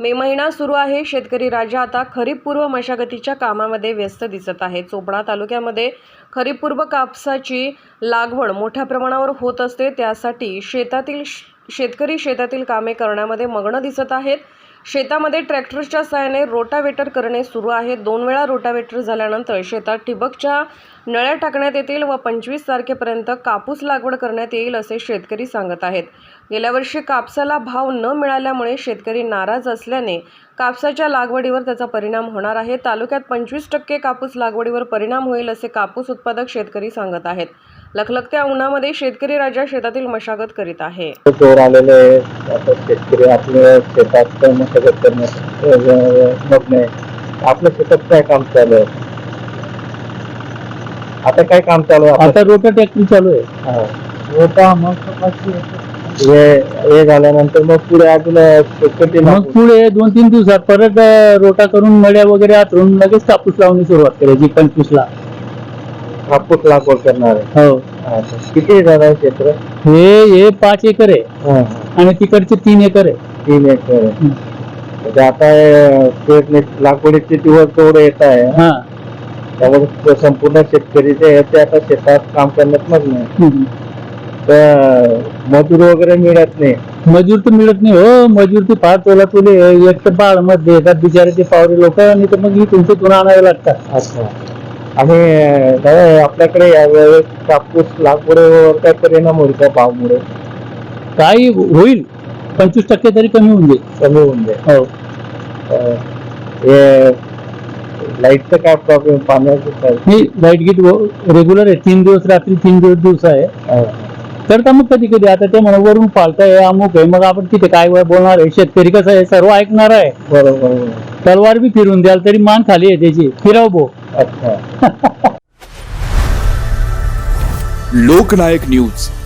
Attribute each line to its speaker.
Speaker 1: मे महिना सुरू आहे. शेतकरी राजा आता खरीप पूर्व मशागतीच्या कामामध्ये व्यस्त दिसत आहे. चोपडा तालुक्यामध्ये खरीप पूर्व कापसाची लागवड मोठ्या प्रमाणावर होत असते. त्यासाठी शेतकरी शेतातील कामे करण्यामध्ये मग्न दिसत आहेत. शेतामध्ये ट्रॅक्टरच्या सहाय्याने रोटावेटर करणे सुरू आहे. 2 वेळा रोटावेटर झाल्यानंतर शेतात ठिबकच्या नळ्या टाकण्यात येतील व 25 तारखेपर्यंत कापूस लागवड करण्यात येईल असे शेतकरी सांगत आहेत. गेल्या वर्षी कापसाला भाव न मिळाल्यामुळे शेतकरी नाराज असल्याने कापसाच्या लागवडीवर त्याचा परिणाम होणार आहे. तालुक्यात 25% कापूस लागवडीवर परिणाम होईल असे कापूस उत्पादक शेतकरी सांगत आहेत. लखलखत्या उन्हामध्ये शेतकरी राजा शेतातील मशागत करीत आहे.
Speaker 2: जोर आलेले आता शेतकरी आपल्या शेतात मशागत करण्यात मग्न आहे. आपल्या शेतात काय काम चालू आहे? आता काय काम चालू आहे?
Speaker 3: आता रोटा ट्रॅक्टर चालू आहे.
Speaker 2: रोटा मग हे झाल्यानंतर मग पुढे अजून
Speaker 3: मग पुढे 2-3 दिवसात परत रोटा करून मड्या वगैरे आतरून लगेच कापूस लावणी सुरुवात करायची. 25 ला
Speaker 2: कापूस लागवड करणार आहे.
Speaker 3: हो.
Speaker 2: किती झालं आहे क्षेत्र?
Speaker 3: हे 5 एकर आहे आणि तिकडचे 3 एकर आहे.
Speaker 2: 3 एकर आहे. म्हणजे आता लागवडीचे दिवस तेवढे येत आहे. त्यामुळे संपूर्ण शेतकरी जे आहे ते आता शेतात काम करण्यात मग्न आहे. तर मजूर वगैरे मिळत नाही.
Speaker 3: मजूर तर मिळत नाही हो. मजूर ते फार तोला तुले एक तर बाळ मध्ये येतात बिचारे ते पावरे लोक आणि तर मग तुमचे तुला आणावे लागतात.
Speaker 2: अच्छा. आणि आपल्याकडे यावेळेस कापूस लागवडीवर काय परिणाम होईल का भावमुळे?
Speaker 3: काही होईल 25% तरी कमी होऊन जाईल.
Speaker 2: कमी होऊन जाईल.
Speaker 3: हो.
Speaker 2: हे लाईटचं काय प्रॉब्लेम? पाण्याचं
Speaker 3: नाही, लाईट गीट रेग्युलर आहे. 3 दिवस रात्री 3 दिवस आहे. करता मग कधी कधी आता ते म्हणा वरून पालताय अमुक आहे. मग आपण तिथे काय बोलणार आहे? शेतकरी कसं आहे सर्व ऐकणार आहे.
Speaker 2: बरोबर.
Speaker 3: तलवार बी फिरून द्याल तरी मान खाली आहे त्याची. फिराव भो.
Speaker 2: अच्छा.
Speaker 4: लोकनायक न्यूज